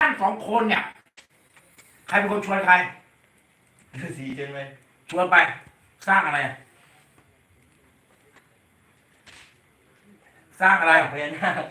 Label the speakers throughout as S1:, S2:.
S1: ท่านสองคนเนี่ยใครเป็นคนชวนใคร
S2: ฤาษีใช่ไหม
S1: ชวนไปสร้างอะไรสร้างอะไร
S2: พญานาค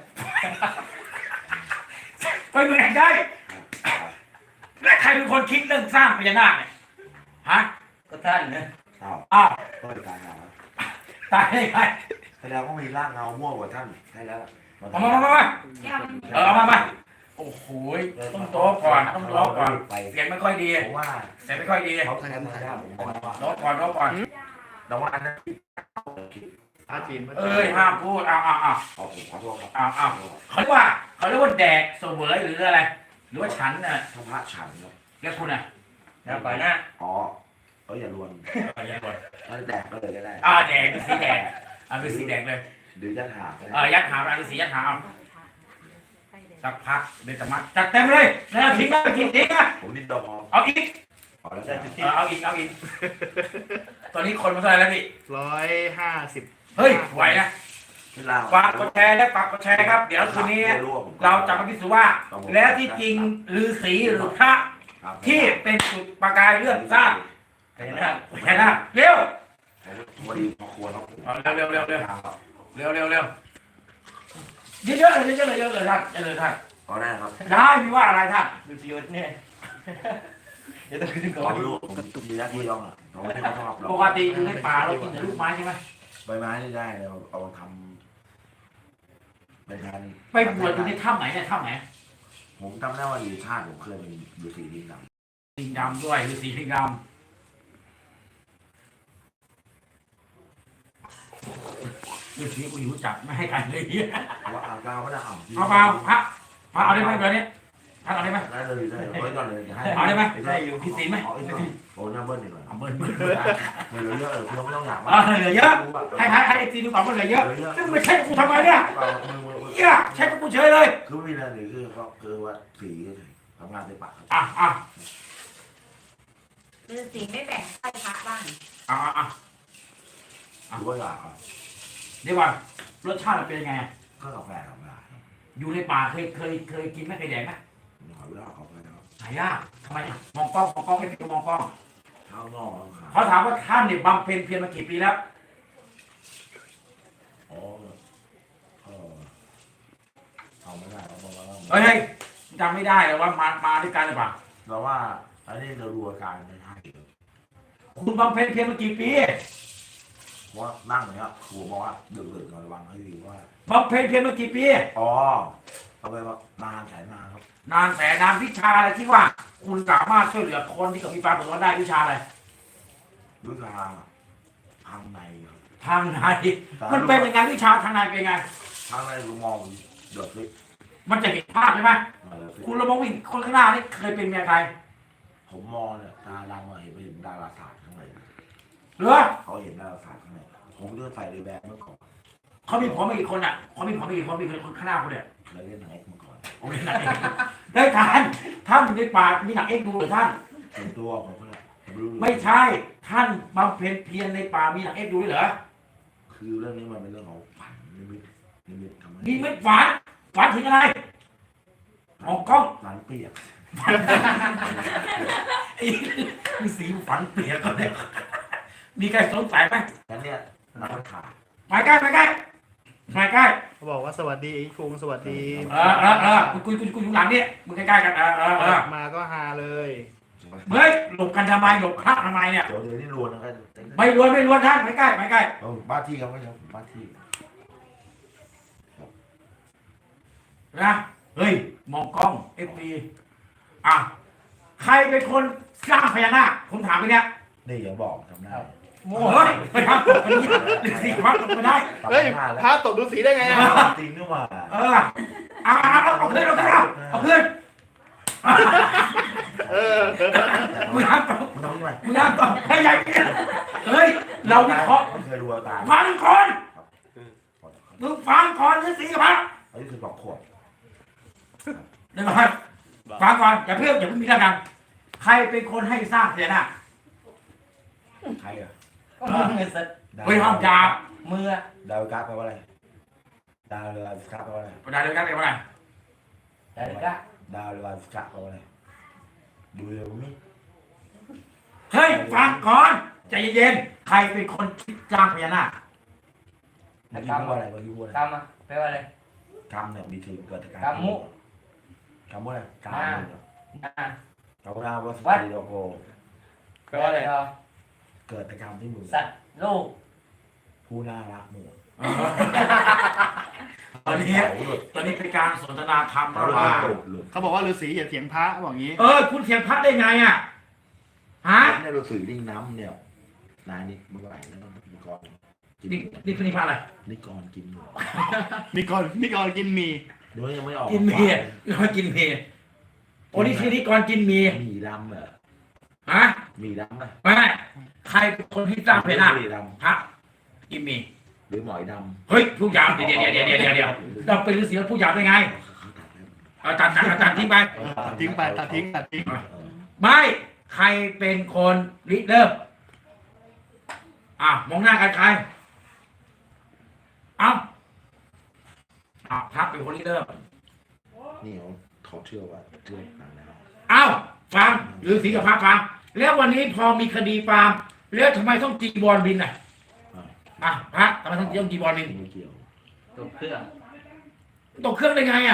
S1: ไปเมืองได้และใครเป็นคนคิดเรื่องสร้างพญานาคเนี่ยฮะ
S2: ก็ท่านนะ
S1: อ้าว
S3: ก็เป็นการงาน
S1: ตายได้ไง
S3: แสดงว่ามีร่างเงาม่วงกว่าท่านใช่แล้ว
S1: มามาโอ้โหต้องโต๊ะก่อนต้องร้องก่อนเสียงไม่ค่อยดี
S3: ผมว่า
S1: เสียงไม่ค่อยดี
S3: เขาทำได้ผมว่า
S1: ร้องก่อนร้องก่อน
S3: แต่ว่าอันนั้น
S2: อาจีน
S1: ห้ามพูด
S3: ขอโทษครับ
S1: เขาเรียกว่าแดกเสวยหรืออะไรหรือว่าฉันน่ะ
S3: พระฉันครับ
S1: แล้วคุณน่ะ
S2: แล้วไปนะ
S3: อ๋ออย่าลวน
S1: อย่าลวน
S3: แล้วแดกก็เลยก็ได้
S1: แดกเป็นสีแดงเป็นสีแดงเลย
S3: หรือยัดหา
S1: ยัดหาเป็นสียัดหาสักพักเบตมัดจัดเต็มเลยแล้วทิ้งนะทิ้งนะ
S3: ผมนิดดอ
S1: เอาอีกเอาอีกตอนนี้คนมาเท่าไหร่แล้วพี่
S2: 150
S1: เฮ้ยไหวนะฝากกดแชร์และฝากกดแชร์ครับเดี๋ยวคืนนี้เราจะมาพิสูจน์ว่าแล้วที่จริงฤาษีหรือพระที่เป็นจุดประกายเรื่องสร้างเห็นไหมเร็ว
S3: วันนี้พอควร
S1: เร็วเยอะเลยท่าน
S3: ก็ได้ครับ
S1: ได้มีว่าอะไรท่าน
S2: ฤาษีเนี่ย
S3: เดี๋ยวต้องขึ้นก่อนลูกผมมีหน้าที่ย่องเราไม่ชอบ
S1: ปกติอยู่ในป่าเรากินแต่ลูกไม้ใช่ไหม
S3: ใบไม้นี่ได้เราเอาทำเป็นงาน
S1: ไปบวชอยู่ในถ้ำไหนเนี่ยถ้ำไหน
S3: ผมจำได้ว่าอยู่ชาติผมเคยเป็นฤาษีลิงด
S1: ำด้วยฤาษีลิงดำฤาษีกูอยู่จับไม่ให้กันเลย
S3: ว่าอ่างกาวก็ได้
S1: เอาเปล่าพระเอาได้ไหมเดี๋ยวนี้ท่านเอาได้ไหม
S3: ได้เลยไว้ก่อนเลย
S1: เอาได้ไหม
S2: ได้อยู่
S1: พิศีไหม
S3: โอ้ยเบิ้ลดีกว่า
S1: เบิ้ล
S3: เหลือเยอะคุณไม่ต้องอยาก
S1: เหลือเยอะให้ไอ้จีดูก่อนว่าเหลือเยอะซึ่งไม่ใช่กูทำไมเนี่ยใช่กูเฉยเลย
S3: คือไม่มีอะไรเลยคือว่าสีทำงานในป่า
S4: ฤาษีไม่แบ่งให้พระบ้าง
S3: หรือว่าอยาก
S1: เดี๋ยวว่ารสชาติมันเป็นยังไง
S3: ก็กาแฟ
S1: อยู่ในป่าเคยกินไหมเคยแดกไหม
S3: หายากเขาไปแล้ว
S1: หายากทำไมมองกล้องให้ดูมองกล้อง
S3: ข้าวนอก
S1: เขาถามว่าท่านเนี่ยบำเพ็ญเพียรมากี่ปีแล้ว
S3: เอาไม่ได้เราบอกว่า
S1: เฮ้ยจำไม่ได้แล้วว่ามาด้วยกันหรือเปล่า
S3: เราว่าอันนี้เราดูอาการไม่ใช่
S1: คุณบำเพ็ญเพียรมากี่ปี
S3: ว่านั่งเนี้ยครูบอกว่าดึกๆหน่อยระวังให้ดีว่า
S1: บำเพ็ญเพียรมากี่ปี
S3: เอาไปว่านานแสนนานครับ
S1: นานแสนนานวิชาอะไรที่ว่าคุณสามารถช่วยเหลือคนที่มีความเดือดร้อนได้วิชาอะไร
S3: วิชาทางใน
S1: ทางในมันเป็นยังไงวิชาทางในเป็นยังไง
S3: ทางในคือมองเดือดเลย
S1: มันจะเห็นภาพใช่ไหมคุณระมงวิ่งคนข้างหน้านี่เคยเป็นเมียใคร
S3: ผมมองเนี่ยตาดังมาเห็นดาราศาสตร์ข้างใน
S1: หรือ
S3: เขาเห็นดาราศาสตร์ข้างในผมเลือกใส่เลยแบบเมื่อก่อน
S1: เขามีผมไม่กี่คนอ่ะเขามีผมไม่กี่คนมีคนข้างหน้าคนเดียว
S3: เคยเล่นหนังเอ็กซ์มาก่อน
S1: ผมเล่นหนังเอ็กซ์ได้ทานท่านในป่ามีหนังเอ็กซ์ดูหรือท่าน
S3: เป็นตัวของเขา
S1: ไม่ใช่ท่านบำเพ็ญเพียรในป่ามีหนังเอ็กซ์ดูเหรอ
S3: คือเรื่องนี้มันเป็นเรื่องของฝันนิมิตทำไม
S1: นิมิตฝันถึงอะไรมองกล้อง
S3: ฝันเปียก
S1: มีสีฝันเปียกก็เนี่ยมีใครสงสัยไหม
S3: งั้นเนี่ยนักข่าว
S1: มาใกล้
S2: เขาบอกว่าสวัสดีไอ้คุงสวัสดี
S1: กูอยู่หลังนี่มึงใกล้ๆกัน
S2: มาก็ฮาเลย
S1: เฮ้ยหลบกันทำไมหลบพระทำไมเนี่ย
S3: เดี๋ยวนี่รวนนะครับ
S1: ไม่รวนท่านไม่ใกล้
S3: บ้านที่ครับไม่ใช่บ้านที่
S1: นะเฮ้ยมองกล้องFPใครเป็นคนสร้างพญานาคผมถามไปเนี่ย
S3: นี่อย่าบอกทำได้
S1: โอ้ยไปทำตกกันนี่สีพระตกไม่ได้
S2: เฮ้ยพระตกดูสีได้ไง
S3: จริงนี่หว่า
S1: เอาเพื่อนมึงห้ามตกให้ใหญ่เฮ้ยเราวิเคราะห์ฟังก่อนมึงฟังก่อนฤาษีกับพระ
S3: อายุ12 ขวบ
S1: เดี๋ยวก่อนฟังก่อนอย่าเพิ่งมีเรื่องกันใครเป็นคนให้สร้างพญานาค
S3: ใครอ่ะ
S1: เฮ้ยห้องจับ
S2: มือ
S3: ดาวกาแปลว่าอะไรดาวเรือกาแปลว่าอะไร
S1: ดาวเรือกาแปลว่าอะไร
S2: ดาวเรือกา
S3: ดาวลาสกัดเขาอะไรดูเลยผมนี่
S1: เฮ้ยฟังก่อนใจเย็นๆใครเป็นคนคิดจ้างพญานาค
S3: เมื่อกี้พูดว่าอะไรเมื่อกี้พูดอะไร
S5: กำอ่ะแปลว่าอะไร
S3: กรรมเนี่ยมีทีเกิดจากการ
S5: กรรมุ
S3: กรรมว่าอะไรกรรม
S5: อ่า
S3: กรรมนาวัสดุโลโก
S5: แปลว่าอะไรครับ
S3: เกิดจากกรรมที่มือ
S5: สัตว์โลก
S3: ผู้น่ารักมือ
S1: ตอนนี้เป็นการสนทนาธรรมระหว่าง
S2: เขาบอกว่าฤาษีอย่าเถียงพระบอกงี้
S1: คุณเถียงพระได้ไงอ่ะฮะ
S3: เนี่ยเราสื่อดิ้งน้ำเนี่ยนายนี่เมื่อไหร่แล้วนิกรกิน
S1: นี่พระอะไร
S3: นิกรกินหมู
S2: นี่ก่อนกินหมี
S3: เดี๋ยวยังไม่ออก
S1: กินเมียกินเมียโอ้นี่คือนี่ก่อนกินเมีย
S3: มีดำเหรอ
S1: ฮะ
S3: มีดำไหม
S1: ไม่ใครเป็นคนที่สร้างพญานาค
S3: มีด
S1: พระกินเมีย
S3: ำหรือหมอยดำ
S1: เฮ้ยผู้ยามเดี๋ยวเราเป็นฤาษีแล้วผู้ยามได้ไงเอาตัดทิ้งไป
S2: ตัดทิ้งไปตัดทิ้ง
S1: ไม่ใครเป็นคนริเริ่มมองหน้ากันใครพระเป็นคนริเริ่ม
S3: นี่เขาเชื่อว่าเรื่องต่างแล้ว
S1: ฟังฤาษีกับพระฟังแล้ววันนี้พอมีคดีฟาร์มแล้วทำไมต้องจีบอลบินพระทำไมต้องจีบอลบิน
S3: ไม่เกี่ยว
S5: ตัวเครื่อง
S1: ตกเครื่องได้ไง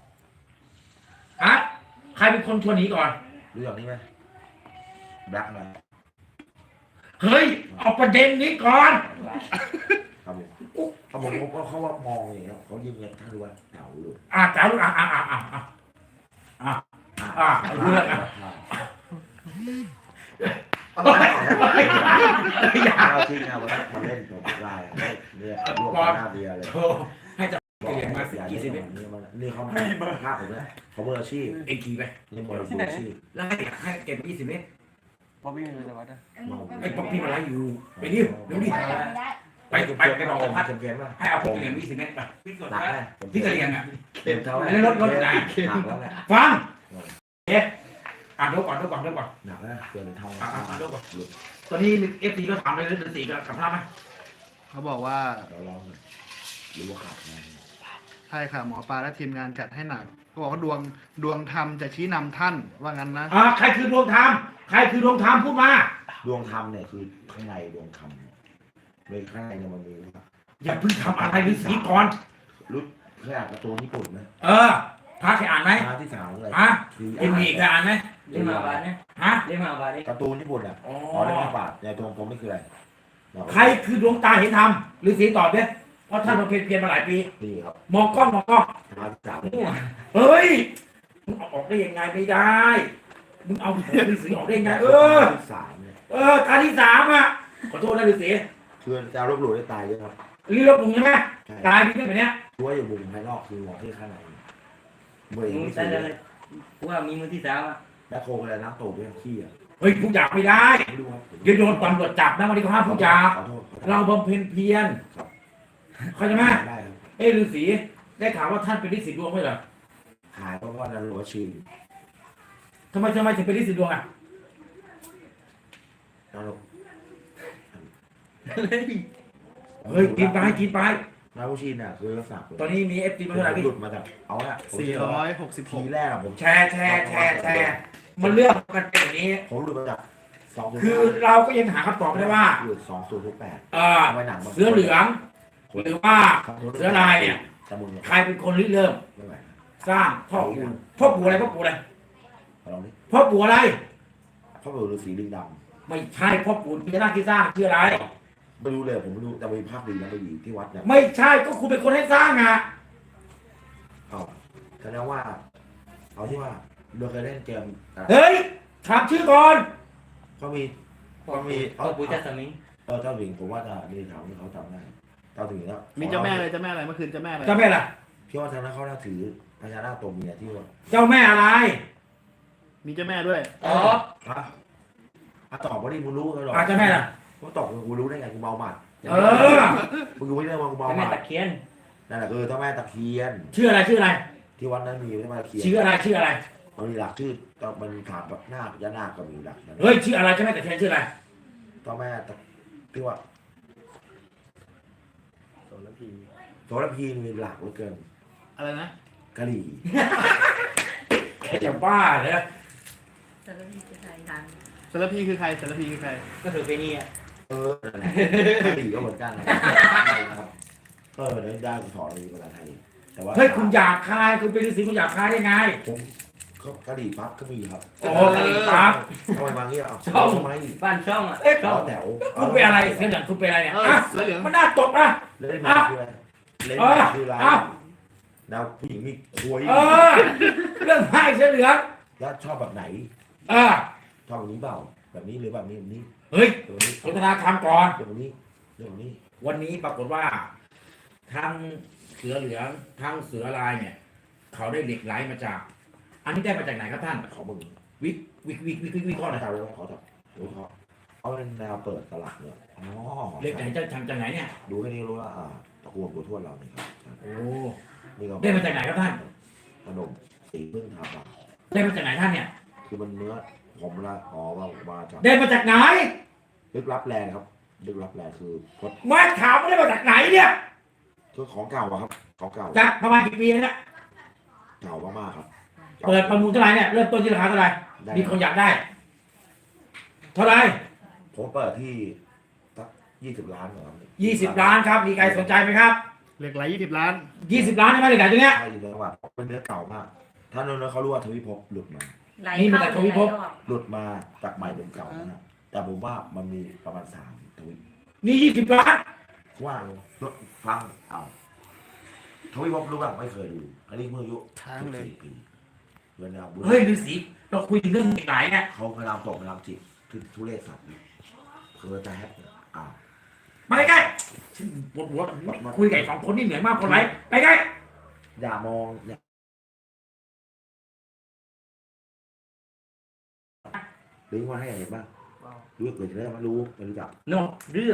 S1: ใครเป็นคนชวนหนีก่อน
S3: รู้อย่างนี้ไหมแบล็กไหม
S1: เฮ้ยเอาประเด็นนี้ก่อน
S3: ครับผมเขาว่ามองอย่างเงี้ยเขายิ้มเงี้ยถ้ารู้ว่าเก่าเลย
S1: จ้าลูกเรื่อง
S3: เอาจริงนะมาเล่นตัวลายเนี่ยรวมหน้าเบียร์เลย
S1: ให้จะเรียนมากี่สิบ
S3: นี่เขาไม่ภาคผมนะเขามืออาชีพ
S1: เอ็นทีไป
S3: นี่มืออาชีพ
S1: แล้วให้เก็บ20 เมตร
S5: พอพี่มีแต่วัดนะ
S1: ไอ้ป๊อปปี้มาไล่อยู่ไปดิเดี๋ยวดิไปบอกพัด
S3: เกมว่า
S1: ให้เอาพวกเหรียญ20 เมตรไป
S3: หนักไหม
S1: พี่กระเรียน
S3: เต็มเท่าไหร่
S1: แล้วรถไหน
S3: หนักแล้วแหละ
S1: ฟังดูก่อน
S3: หนักแล้วเกินเท่า
S1: ตอนนี้FTก็ถามเลยฤาษีกับพระไหม
S2: เขาบอกว่า
S3: เราลองหรือว่าขาดไง
S2: ใช่ค่ะหมอปลาและทีมงานจัดให้หนักเขาบอกว่าดวงธรรมจะชี้นำท่านว่างั้นนะ
S1: ใครคือดวงธรรมพูดมา
S3: ดวงธรรมเนี่ยคือข้างในดวงธรรมในข้างในเนี่ยมันมี
S1: อย่าเพิ่งทำอะไรฤาษีก่อน
S3: รู้เคยอ่านการ์ตูนญี่ปุ่นไหม
S1: พระเคยอ่านไหม
S3: ที่สามอะไร
S1: เอ็มดีเคยอ่านไหม
S5: เรียกมาบาทเนี่ยเรียกมาบาทนี่
S3: การ์ตูนญี่ปุ่นอ่ะเรื่องบาทในตัวผมไม่คืออะไร
S1: ใครคือดวงตาเห็นธรรมฤาษีตอบเนี่ยเพราะท่านมาเพียรมาหลายปี
S3: นี่ครับ
S1: มองกล้อง
S3: ที่สาม
S1: เฮ้ยมึงเอาออกได้ยังไงไม่ได้มึงเอาฤาษีออกได้ยังไง
S3: ที่สามเนี่ย
S1: ตาที่3ขอโทษนะฤาษี
S3: คือจะลบหลู่ได้ตายเยอะครับ
S1: รีบลงใช่ไหมตายมีเรื่องแบบเนี้ย
S3: ช่วยอยู่มุมภายนอกคือมองที่ข้างในเมื่อ
S5: มึง
S3: ไม่
S5: แต่
S3: ใช่
S5: เลยกูว่ามีมือที่สามอ่ะ
S3: แบ็คโคอะไรน้ำตกด้วยขี้อ่ะ
S1: เฮ้ยผู้หยาบไม่ได้
S3: ไม่รู้ครับ
S1: เดี๋ยวโดนตำรวจจับนะวันนี้เขาห้ามผู้หยาบ
S3: ขอโทษ
S1: เราบำเพ็ญเพียรเข้าใจไหม
S3: ได้ครับ
S1: ฤาษีได้ข่าวว่าท่านเป็นฤาษีดวงไหมเหรอ
S3: หายเพราะว่านารูวชิน
S1: ทำไมถึงเป็นฤาษีดวง
S3: นารู
S1: เฮ้ยกินไป
S3: นารูชินอ่ะคือลักษณะ
S1: ตอนนี้มีFTมาเท่าไหร่พี่
S3: หลุดมาจากเอาละที
S2: 466
S3: แรกอะผม
S1: แชร์มันเรื่องกันเป็นอย่างนี้
S3: ผมหลุดมาจาก2
S1: คือเราก็ยังหาคำตอบไม่ได้ว่า
S3: หลุด2068
S1: ทำไมหนังเสือเหลืองหรือว่าเสือลายเนี่ย
S3: ตะมุนเนี่ย
S1: ใครเป็นคนริเริ่ม
S3: ไม่ไหว
S1: สร้างพ่อปู่อะไร
S3: ลองดิ
S1: พ่อปู่อะไร
S3: พ่อปู่ฤาษีลิงด
S1: ไม่ใช่พ่อปู่พญานาคที่สร้างชื่ออะไร
S3: ำไม่รู้เลยผมไม่รู้แต่มีภาพดีนะไปอยู่ที่วัดเนี่ย
S1: ไม่ใช่ก็คุณเป็นคนให้สร้าง
S3: เอาแสดงว่าเอาที่ว่าเราเคยเล่นเกม
S1: เฮ้ยถามชื่อก่อน
S3: ก็มี
S5: เอาปูจัสมิง
S3: เจ้าหญิงผมว่าจะมีถามที่เขาจำได้เจ้าหญิงแล้ว
S2: มีเจ้าแม่อะไรเมื่อคืนเจ้าแม่อะไร
S1: เจ้าแม่ล่ะ
S3: พี่ว่าทางนั้นเขาน่าถือพญานาคตัวเมียที่ว่า
S1: เจ้าแม่อะไร
S2: มีเจ้าแม่ด้วย
S5: อ๋อ
S3: ตอบว่าดิมึงรู้กันหรอ
S1: เจ้าแม่ล่ะ
S3: กูตอบกูรู้ได้ไงกูเมาหมัด มึงไม่ได้มากูเมา
S5: เจ้า
S3: ห
S5: แม่
S3: มัด
S5: ตะเคียน
S3: นั่นแหละคือเจ้าแม่ตะเคียน
S1: ชื่ออะไร
S3: ที่วัดนั้นมีเจ้าแม่ตะเคียน
S1: ชื่ออะไร
S3: มันมีหลักชื่อมันถามแบบนาคยานาคก็มีหลัก
S1: เฮ้ยชื่ออะไรเจ้าแม่แต่แทนชื่ออะไร
S3: เจ้าแม่ที่ว่า
S2: โสระพี
S3: โสระพีมีหลักเหลือเกิน
S2: อะไรนะ
S3: กะหรี่
S1: จะบ้าเหรอ
S4: แต่ละทีจะใส่ทัน
S2: สารพีคือใครสารพีคือใคร
S5: ก็ถือเป็นนี่อ่ะ
S3: นั่นแหละกะหรี่ก็เหมือนกันนะครับได้สอนในภาษาไทยแต่ว่า
S1: เฮ้ยคุณอยากคายคุณเป็นฤาษีคุณอยากคายได้ไง
S3: ผมกะหรี่ปั๊บก็มีครับ
S1: โอ้กะหรี่ปั๊บ
S3: ทำไมมาเงี้ยเอา
S1: ชอบ
S3: ทำไม
S5: บ้านช่องอ่ะ
S1: เอ๊ะ
S3: ล้อแถว
S1: คุณเป็นอะไรเสียเหลืองคุณเป็นอะไรเนี่ยอ่ะ
S2: เสือเหลือง
S1: มันน่าตกนะ
S3: เล่นมาคืออะไรเล่นมาคืออะไรดาวผู้หญิงมีคุย
S1: เออเรื่องไพ่เสียเหลือง
S3: แล้วชอบแบบไหน
S1: เออ
S3: ชอบแบบนี้เปล่าแบบนี้หรือแบบนี้แบบนี้
S1: เฮ้ย
S3: แบบนี้
S1: สนทนาธรรมก่อน
S3: แบบนี้แบบนี้
S1: วันนี้ปรากฏว่าทั้งเสือเหลืองทั้งเสือลายเนี่ย เขาได้เหล็กไหลมาจาก อันนี้ได้มาจากไหนครับท่าน
S3: ขอมึง
S1: วิเคราะห์หน่อย
S3: ขอเลยขอจับดูเขาเอาเป็นแนวเปิดตลาดเนี่ยอ๋อ
S1: เหล็กไหนจะทำจากไหนเนี่ย
S3: ดูแค่นี้รู้ว่าตะกวงตัวทวดเราเนี่ยครับ
S1: โอ้
S3: นี่ก็
S1: ได้มาจากไหนครับท่าน
S3: ขนมสีพึ่งทำมา
S1: ได้มาจากไหนท่านเนี่ย
S3: คือมันเนื้อผมละมาจาก
S1: ได้มาจากไหน
S3: ลึกลับแรงครับลึกลับแรงคือพด
S1: มาถามว่าได้มาจากไหนเนี่ย
S3: คือของเก่าอะครับของเก่า
S1: จากประมาณกี่ปีแล้วเนี่ย
S3: เก่ามากๆครับ
S1: เปิดประมูลเท่าไหร่เนี่ยเริ่มต้นที่ราคาเท่าไหร่
S3: ได้
S1: มีคนอยากได้ เท่าไหร่
S3: ผมเปิดที่สัก20 ล้านเหรอครับ
S1: 20 ล้านครับ มีใครสนใจไหมครับ
S2: เหล็กไหล20 ล้าน
S1: 20 ล้านใช่ไหมเหล็กไหลตัวเนี้ย
S3: ใช่เลยว่าเป็นเนื้อเก่ามากถ้าเนื้อเขารู้ว่าทวิภพหลุดมา
S4: ไหล
S1: นี่มัน
S4: เข้า
S1: แต่ทวิภพ
S4: ไหลออก
S3: หลุดมาจากใหม่เป็นเก่านะแต่ผมว่ามันมีประมาณ3ทวิ
S1: นี่20 ล้าน
S3: ว่างรถฟังเอาทวิภพรู้บ้างไม่เคยดูอันนี้เมื่ออายุ
S2: ค้างเลย
S3: 14 ปีเวลาบุญ
S1: เฮ้ยฤาษีเราคุยถึงเรื่องเหล็กไหลเนี่ย
S3: เขาพยายามตกพยายามจิตคือทุเรศสัตว์คือจะแฮปเนี่ยอ้าว
S1: มาใกล้ๆฉันปวดหัวคุยกับไอ้สองคนนี่เหนื่อยมากคนไรไปใกล้
S3: อย่ามองเนี่ยลิงก์มาให้เห็นบ้างรู้เกิดจะได้ไม่รู้ไม่รู้จัก
S5: โน่เรื่อง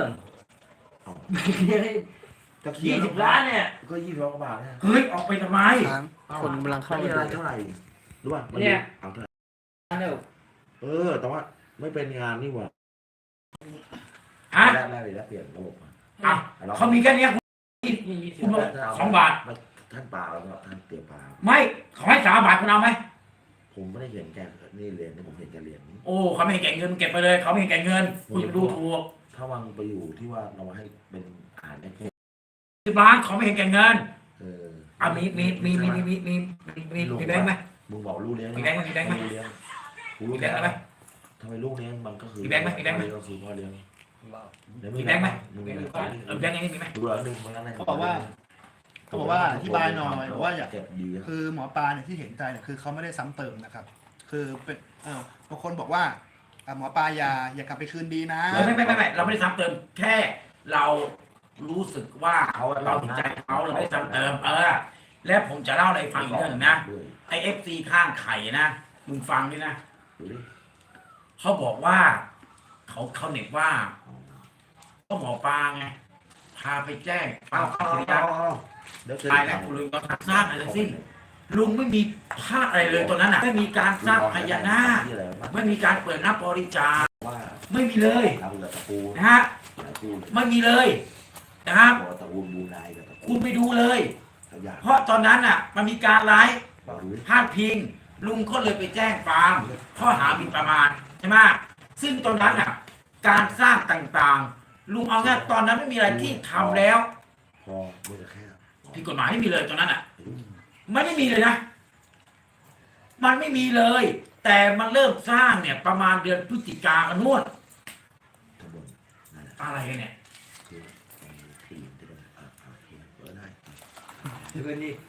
S3: จะเคลียร์
S5: 20 ล้านเนี่ย
S3: ก็20 ล้านกว่าบาทนะ
S1: เฮ้ยออกไปทำไม
S2: ค้างคนกำลังเข้า
S3: ไม่เป็นไรเท่าไหร่รู้ป่ะมันเอาเท่าไหร่
S5: เดี๋ยว
S3: แต่ว่าไม่เป็นงานนี่หว่า
S1: ฮะ
S3: แรกเลยแล้วเปลี่ยนระบบมา
S1: อ่ะเขามีแค่เนี้ยคุณ
S5: 20
S1: บอก2 บาท
S3: ท่านปลาแล้วก็ท่านเตรียมปลา
S1: ไม่ขอให้3 บาทคุณเอาไหม
S3: ผมไม่ได้เห็นแกนี่เรียนนี่ผมเห็นแกเรียน
S1: โอ้เขาไม่ให้แก่เงินเก็บไปเลย เขาไม่ให้แก่เงินคุณจะดูถูก
S3: ถ้าวังไปอยู่ที่ว่าเราให้เป็นอาหารให้พวก
S1: 10 ล้านเขาไม่ให้แก่เงิน
S3: เออ
S1: อ่ะมีแบงค์ไหม
S3: มึงบอกลูกเลี้ยง
S1: มีแบงค์ไหมมีแบงค์ไหม
S3: ลูกเลี้ยงกู
S1: มี
S3: รู้
S1: แบงค์ไหม
S3: ทำไมลูกเลี้ยงมันก็คือ
S1: มีแบงค์ไหมมีแบงค์ไหม
S3: ก็คือพ่อเลี้ยงเดี๋ยว
S1: มีแบงค์ไหม
S3: มึงมีแบงค์
S1: แบงค์นี้มีไหม
S3: ดูแล้วหนึ่งมันนั่น
S2: เขาบอกว่าอธิบายหน่อยบอกว่าอยาก
S3: เก็บดี
S2: คือหมอปลาเนี่ยที่เห็นใจเนี่ยคือเขาไม่ได้ซ้ำเติมนะครับ คือเป็นบางคนบอกว่าหมอปลาอย่ากลับไปคืนดีนะ
S1: ไม่เราไม่ได้ซ้ำเติมแค่เรารู้สึกว่าเราเห็นใจเขาเราไม่ได้ซ้ำเติมและผมจะเล่าอะไรฟังอีกเรื่องหนึงนะ
S3: ด้วย
S1: ไอFC ข้างไข่นะมึงฟังด้วยนะ
S3: ดูดิ
S1: เขาบอกว่าเขาเน็ตว่าก็หมอปลาไงพาไปแจ้งปาพระยา
S3: เดี๋ยว
S1: ตายแล้วคุณลุงก็สร้างอะไรทั้งสิ้นลุงไม่มีพลาดอะไรเลยตอนนั้นอ่ะไม่มีการสร้างพญานาคไม่มีการเปิดรับบริจาค
S3: ว่า
S1: ไม่มีเลย
S3: ทำกับตะปู
S1: นะฮะ
S3: ตะปู
S1: ไม่มีเลยนะครับ
S3: ตะปูบูนายกับตะปู
S1: คุณไปดูเลย
S3: ขยะ
S1: เพราะตอนนั้นอ่ะมันมีการไลฟ์
S3: บารุย
S1: พาดพิง ลุงก็เลยไปแจ้งความข้อหาหมิ่นประมาทใช่ไหมซึ่งตอนนั้นอ่ะ การสร้างต่างๆ ลุงเอาแค่ตอนนั้นไม่มีอะไรที่ทำแล้ว
S3: พอมือแค่
S1: ผิดกฎหมายไม่มีเลยตอนนั้นอ่ะมันไม่มีเลยนะ มันไม่มีเลย แต่มันเริ่มสร้างเนี่ยประมาณเดือนพฤศจิกากันนวด
S3: ขบวนนั่นแหละ
S1: อะไรกันเนี่ย
S3: คือปีนที่เป็นเปิดได้
S5: ถือเป็นนี่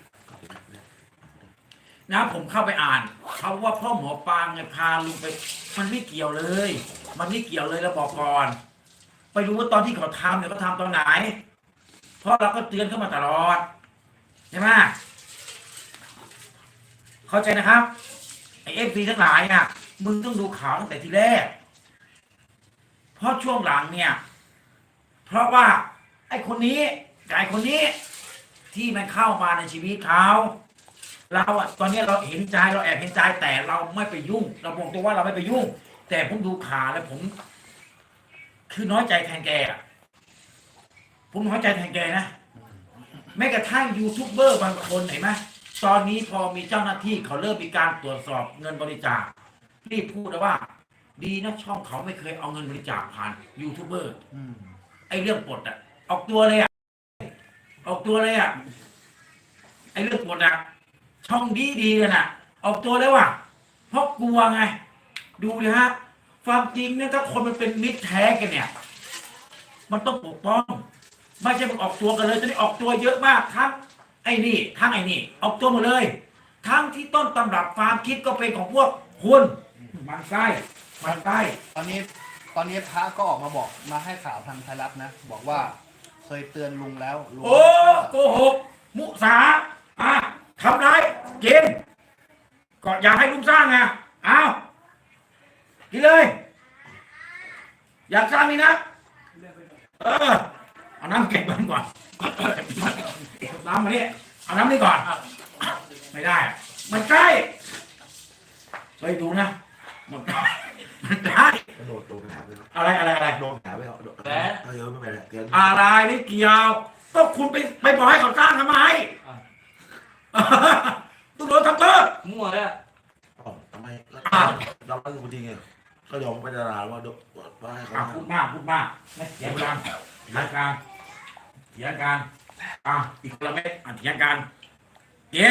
S1: นะผมเข้าไปอ่านเขาว่าพ่อหมอปางไงพาลุงไป มันไม่เกี่ยวเลย มันไม่เกี่ยวเลยแล้วบอกก่อน ไปรู้ว่าตอนที่เขาทำเนี่ยเขาทำตอนไหน เพราะเราก็เตือนเขามาตลอดใช่ไหมเข้าใจนะครับไอFCทั้งหลายอ่ะมึงต้องดูข่าวตั้งแต่ทีแรก เพราะช่วงหลังเนี่ย เพราะว่า ไอคนนี้กับไอคนนี้ ที่มันเข้ามาในชีวิตเขาเราอะตอนนี้เราเห็นใจเราแอบเห็นใจแต่เราไม่ไปยุ่ง เราบอกตัวว่าเราไม่ไปยุ่ง แต่ผมดูข่าวแล้วผม คือน้อยใจแทนแกอะผมน้อยใจแทนแกนะแม้กระทั่งยูทูบเบอร์บางคนเห็นไหมตอนนี้พอมีเจ้าหน้าที่เขาเริ่มมีการตรวจสอบเงินบริจาครีบพูดนะว่า ดีนะช่องเขาไม่เคยเอาเงินบริจาคผ่านยูทูบเบอร์
S2: อืม
S1: ไอ้เรื่องปลดอ่ะออกตัวเลยอ่ะออกตัวเลยอ่ะไอ้เรื่องปลดอ่ะช่องดีเลยน่ะ ออกตัวเลยว่ะเพราะกลัวไง ดูเลยฮะความจริงเนี่ยถ้าคนมันเป็นมิตรแท้กันเนี่ย มันต้องปกป้องไม่ใช่มันออกตัวกันเลยจะได้ออกตัวเยอะมากทั้งไอ้นี่ทั้งไอ้นี่ออกตัวหมดเลย ทั้งที่ต้นตำรับความคิดก็เป็นของพวกคุณมันไส้มันไส้
S2: ตอนนี้พระก็ออกมาบอกมาให้ข่าวทางไทยรัฐนะ บอกว่าเคยเตือนลุงแล้วลุง
S1: โอ้โกหกมุสาทำร้ายเกณฑ์ก็อยากให้ลุงสร้างไงเอากินเลย อยากสร้างนี่นะเอาน้ำเก็บมันก่อนน้ำมานี่เอาน้ำนี่ก่อนไม่ได้มันใกล้ไปดูนะมันใกล้มันใกล้
S3: โดนแผลไปแล้ว
S1: อะไร
S3: โดนแผลไปแล้วถ้าเยอะไม่เป็นไรเกิน
S1: อะไรนี่เกี่ยวก็คุณไปบอกให้เขาสร้างทำไมต้องโดนทำโทษ
S5: มั่วเลยอะ
S3: ทำไมเราไม่รู้จริงไงก็ยอมไปดาราว่าให้เขา
S1: พูดมากไม่เถียงกันเถียงกันอีกคนละเม็ดเถียงกันเย็น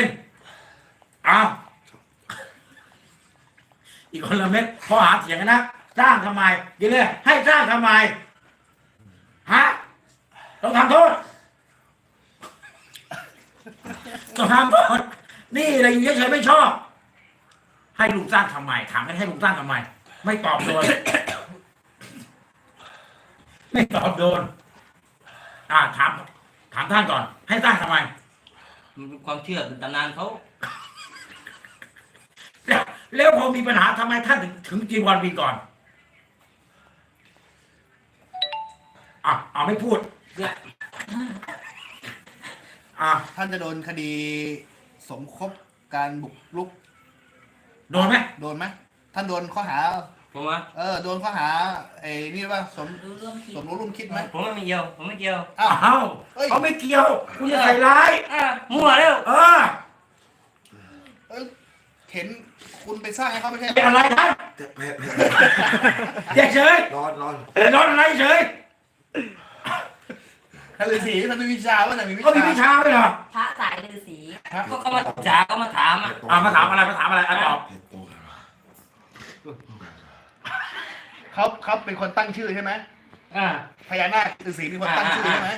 S1: อีกคนละเม็ดข้อหาเถียงกันนะสร้างทำไมกินเลยให้สร้างทำไมฮะต้องทำโทษต้องทำโทษนี่อะไรอยู่เฉยๆไม่ชอบให้ลุงสร้างทำไมถามให้ลุงสร้างทำไมไม่ตอบโดน ไม่ตอบโดนถามท่านก่อน ให้สร้างทำไม
S5: มันเป็นความเชื่อเป็นตำนานเขา
S1: แล้วพอมีปัญหาทำไมท่านถึงจีวรบินก่อนไม่พูด
S2: ท่านจะโดนคดีสมคบการบุกรุก
S1: โดนไหม
S2: โดนไหมท่านโดนข้อหา
S5: ผมว่า
S2: โดนข้อหานี่ว่าสม
S4: รู้ร่วมคิด
S2: รู้ร่วมคิดไหม
S5: ผมไม่เกี่ยวผมไม่เกี่ยว
S2: อ้าว
S1: เขาไม่เกี่ยวคุณจะใส่ร้าย
S5: มั่วแล้ว
S2: เห็นคุณไปสร้างให้เขาไม่ใช่
S1: เป็นอะไรท่าน
S3: แผล
S1: เฉย
S3: ร้อน
S1: นอนอะไรเฉย
S2: ท่านฤาษีท่านมีวิชาว่าไหนมีวิ
S1: เขามีวิ
S2: ชา
S1: ชาไหมเหรอ
S4: พระสายฤาษี
S5: ก็มาจ่าก็มาถามอ่ะ
S1: มาถามอะไรตอบ
S2: เขาเป็นคนตั้งชื่อใช่ไหมพญานาคฤาษีเป็นคนตั้งชื่อใช่ไหม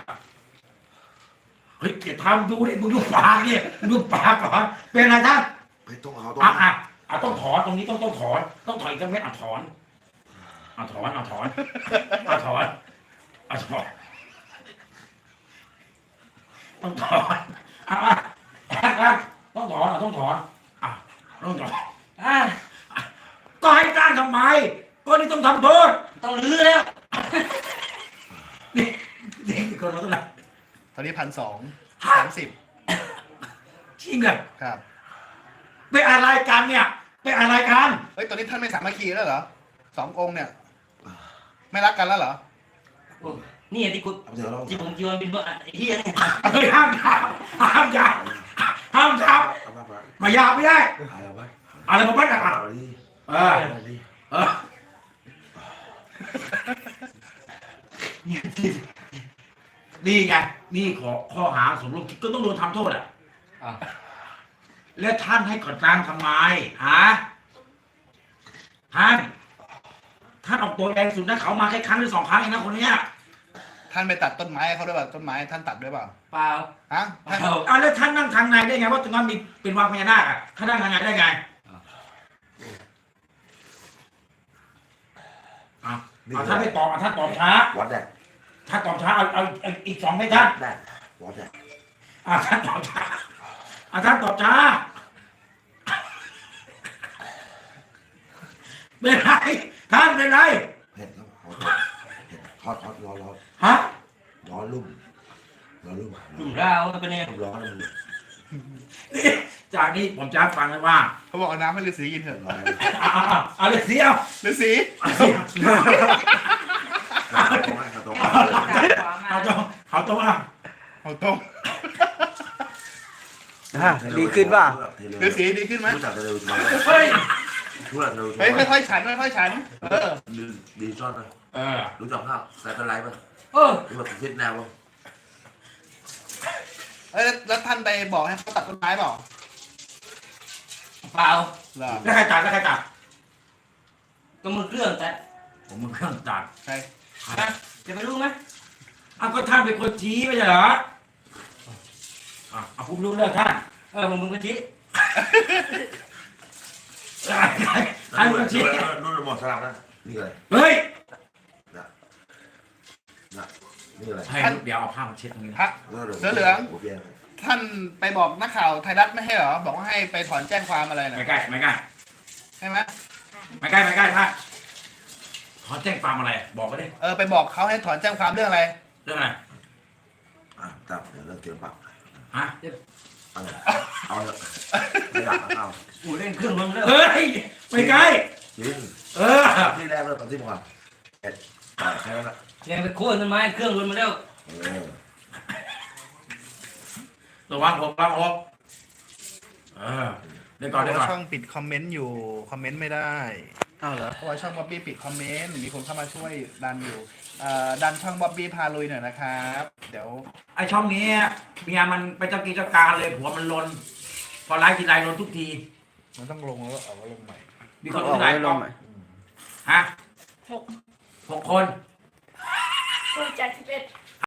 S1: เฮ้ยเกียรติทำดูดิมึงดูปากเนี่ยดูปากก่อนเป็นอะไรท่าน
S3: ไปต้องเอา
S1: ต้องถอนตรงนี้ต้องถอนอีกสักเม็ดถอนต้องถอนต้องถอนก็ให้จ้างทำไมก็นี่ต้องทำโทษ
S5: ต้องลื้อแล้ว
S1: นี่คนเราต้องไหน
S2: ตอนนี้1,230
S1: จริงเหรอ
S2: ครับ
S1: เป็นอะไรกันเนี่ยเป็นอะไรกัน
S2: เฮ้ยตอนนี้ท่านไม่สามัคคีแล้วเหรอ2 องค์เนี่ย ไม่รักกันแล้วเหรอ
S5: นี่ที่คุณที่ผมจีวรบินว่าไอ้เหี้ยเนี่ย
S1: ห้ามมายาไม่ได้อะไรมาบ้างนี่ไงนี่ข้อหาสมรู้คิดก็ต้องโดนทำโทษแล้วท่านให้ก่อนกลางทำไมท่านออกตัวแรงสุดนะเขามาแค่ครั้งหรือ2 ครั้งเองนะคนเนี้ย
S2: ท่านไปตัดต้นไม้เขาด้วยเปล่าต้นไม้ท่านตัดด้วยเปล่า
S5: เปล่า
S2: ฮะท่าน
S1: แล้วท่านนั่งทางในได้ไงว่าตรงนั้นมีเป็นวังพญานาคท่านนั่งทางในได้ไงท่านไม่ตอบท่านตอบช้า
S3: วัดแดก
S1: ท่านตอบช้าเอาอีก2ให้ท่าน
S3: ได้วัดแดก
S1: ท่านตอบช้าท่านตอบช้าเป็นไรท่านเป็นไร
S3: เผ็ดแล้วทอดร้อนร้อนลุ่ม
S5: เราเป็นเนี่ย
S3: ร้อนเลย
S1: นี่จากนี้ผมจะฟังเลยว่า
S2: เขาบอกเอาน้ำให้ฤาษีกินเถอะ
S3: ร้อน
S1: เอาเลยเสียว
S2: ฤาษี
S1: เอาตรง
S2: เอาต้ม
S6: ดีขึ้นป่ะ
S2: ฤาษีดีขึ้นไหม
S3: รู้จักเทเลวิชั่น
S1: เฮ้ย
S3: รู้จักเทเลวิชั่น
S2: เฮ้ยค่อยๆฉันค่อยๆฉัน
S3: ดีชอบไหม
S1: เออ
S3: รู้จักภาพสายเป็นไรไหม
S1: เออ
S3: รู้จักฟิตแนวป่ะ
S2: แล้วท่านไปบอกให้เขาตัดต้นไม้เปล่า
S5: เปล่า
S2: เหรอ
S1: แล้วใครจัดแล้วใครจัด
S5: ก็มือเครื่องแต่
S1: ผมมึงเครื่องจัด
S2: ใช่
S5: จะไปรู้ไหม
S1: อ้าวก็ท่านเป็นคนชี้ไม่ใช่เหรอเอาผมรู้เรื่องท่าน
S5: มึงก็ชี้
S1: ท่านเป็นคนชี้
S3: นู่นหมดสลับนะนี่อะไร
S1: เฮ้ย
S3: นี่อะไร
S1: ให้เดี๋ยวเอาผ้ามาเช็ดตรงนี้
S2: พระ ท่านไปบอกนักข่าวไทยรัฐไม่ให้เหรอบอกว่าให้ไปถอนแจ้งความอะไรนะ
S1: ไม่ใกล้ไม่ใกล้
S2: ใช่ไหม
S1: ไม่ใกล้ไม่ใกล้ท่านขอแจ้งความอะไรบอกมาดิ
S2: ไปบอกเขาให้ถอนแจ้งความเรื่องอะไร
S1: เรื่องอะไร
S3: จับเดี๋ยวเลิกเกี่ยวปาก
S1: ฮะ
S3: เอาเถอะไม่อยากเอา
S5: กูเล่นเครื่องมึงแล้ว
S1: เฮ้ยไม่ใกล้
S3: จริง
S1: เออ
S3: ที่แรกเลยตอนที่ก่อนแค่นั้นแหละ
S5: ยังไปโค่นต้นไม้เครื่องรุนมาแล้ว
S1: ระวังหกระวังหกเดี๋ยวก่อนเดี๋ยวก่อน
S2: ช่องปิดคอมเมนต์อยู่คอมเมนต์ไม่ได้
S6: อ้าวเหรอ
S2: เพราะว่าช่องบ๊อบบี้ปิดคอมเมนต์มีคนเข้ามาช่วยดันอยู่ดันช่องบ๊อบบี้พาลุยหน่อยนะครับเดี๋ยว
S1: ไอช่องนี้เมียมันไปเจ้ากีเจ้าการเลยผัวมันลนพอไลฟ์ทีไรลนทุกที
S2: มันต้องลงแล้วเอาลงใหม่
S1: มีคน
S6: ออ
S1: ที่
S6: ก
S1: ไหน
S6: ไว้ล
S1: ก็
S6: งใหม่
S1: ฮะ
S4: หก
S1: 6 คน
S4: คนจาก11